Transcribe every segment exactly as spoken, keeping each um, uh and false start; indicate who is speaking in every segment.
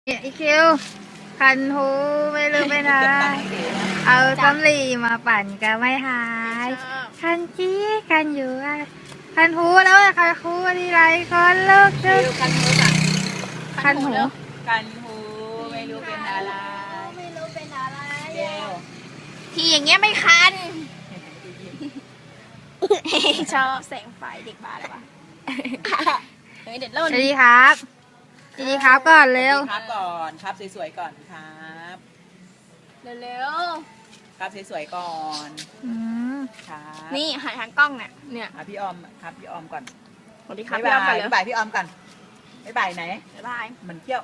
Speaker 1: อีคิวคันหูไม่รู้เป็นอะไรเอาสำลีมาปั่นก็ไม่หายคันจี้คันอยู่คันหูแล้วคันหูที่ไรคนลูกชุด
Speaker 2: คันหูจ้ะ
Speaker 1: คันหู
Speaker 2: คันหูไม่รู้เป็นอะไร
Speaker 3: ไม่รู้เป็นอะไร
Speaker 2: เดียว
Speaker 3: ที่อย่างเงี้ยไม่คัน ชอบแสงไฟเด็กบ้าเลยวะเฮ้ยเด็ดเล่น
Speaker 1: สวัสดีครับสวัสดีครับก่อนเร็ว
Speaker 2: ครับก่อนครับสวยๆก่อนครับ
Speaker 3: เร็ว
Speaker 2: ครับสวยๆก่อน
Speaker 1: อืม
Speaker 2: ครับ
Speaker 3: ๆนี่หันทางกล้องเนี่ยเนี่ย
Speaker 2: อ่ะพี่ออมครับพี่ออมก่อน
Speaker 3: สวัสดีครับ
Speaker 2: บ๊าย
Speaker 3: พี่ออม
Speaker 2: บา
Speaker 3: ไป
Speaker 2: ย
Speaker 3: เลย
Speaker 2: บ๊ายบายพี่ออมก่อนบ๊ายบายไหน
Speaker 3: บ๊ายบาย
Speaker 2: มันเที่ยว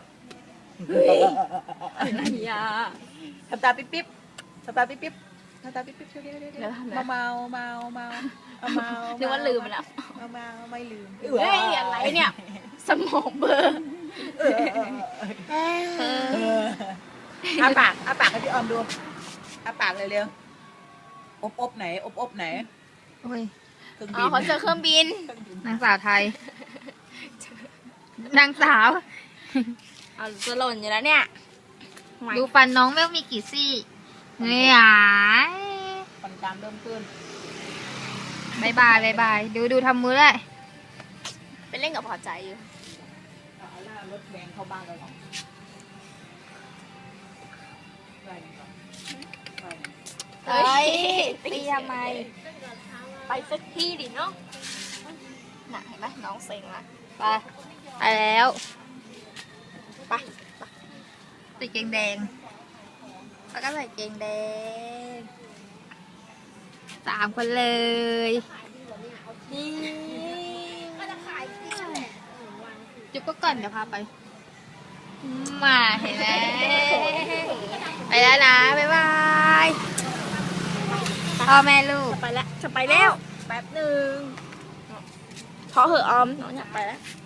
Speaker 3: อย่า
Speaker 2: ทำตาปิ๊บปิ๊บทำตาปิ๊บปิ๊บทำตาปิ๊บปิ๊บเดี๋ยวเมาเมาเมาเมาเมา
Speaker 3: นึกว่าลืมไปแล้ว
Speaker 2: เมาเมาไม่ลืม
Speaker 3: เฮ้ยอะไรเนี่ยสมองเบลอร์
Speaker 2: อ้าปากอ้าปากให้พี่ออมดูอ้าปากเลยเร็วอบอบไหนอบอบไหน
Speaker 1: โอ้ย
Speaker 2: เครื่อง
Speaker 3: อ๋
Speaker 2: บิ
Speaker 3: อน เขาเจอเครื่องบิน
Speaker 1: นางสาวไทยนางสาว
Speaker 3: เอาจะหล่นอยู่แล้วเนี่ย
Speaker 1: ดูฟันน้องไม่มีกี่ซี่เนี่ย
Speaker 2: ฟันกรามเริ่มขึ้น
Speaker 1: บายบายบายบายดูดูทำมือเลย
Speaker 3: ไปเล่นกับพอใจอยู่
Speaker 2: เอาหน้ารถแดงเข้าบ้านเราหรอไปก่อนไป
Speaker 3: เฮ้ย
Speaker 1: ตีทำไม
Speaker 3: ไปสักที่ดิเนาะน่ะเห็นไหมน้องเซ็งละ
Speaker 1: ไปไปแล้ว
Speaker 3: ไป
Speaker 1: ติดเกงแดงแล้วก็ใส่เกงแดงสามคนเลยนี่จุ๊บก็ก่อนเดี๋ยวพาไปมาเห็นไหมไปแล้วนะบ๊ายบายพ่อแม่ลูก
Speaker 3: ไปแล้วจะไปแล้วแป๊บหนึ่งพอเหอะออมน้องอยากไปแล้ว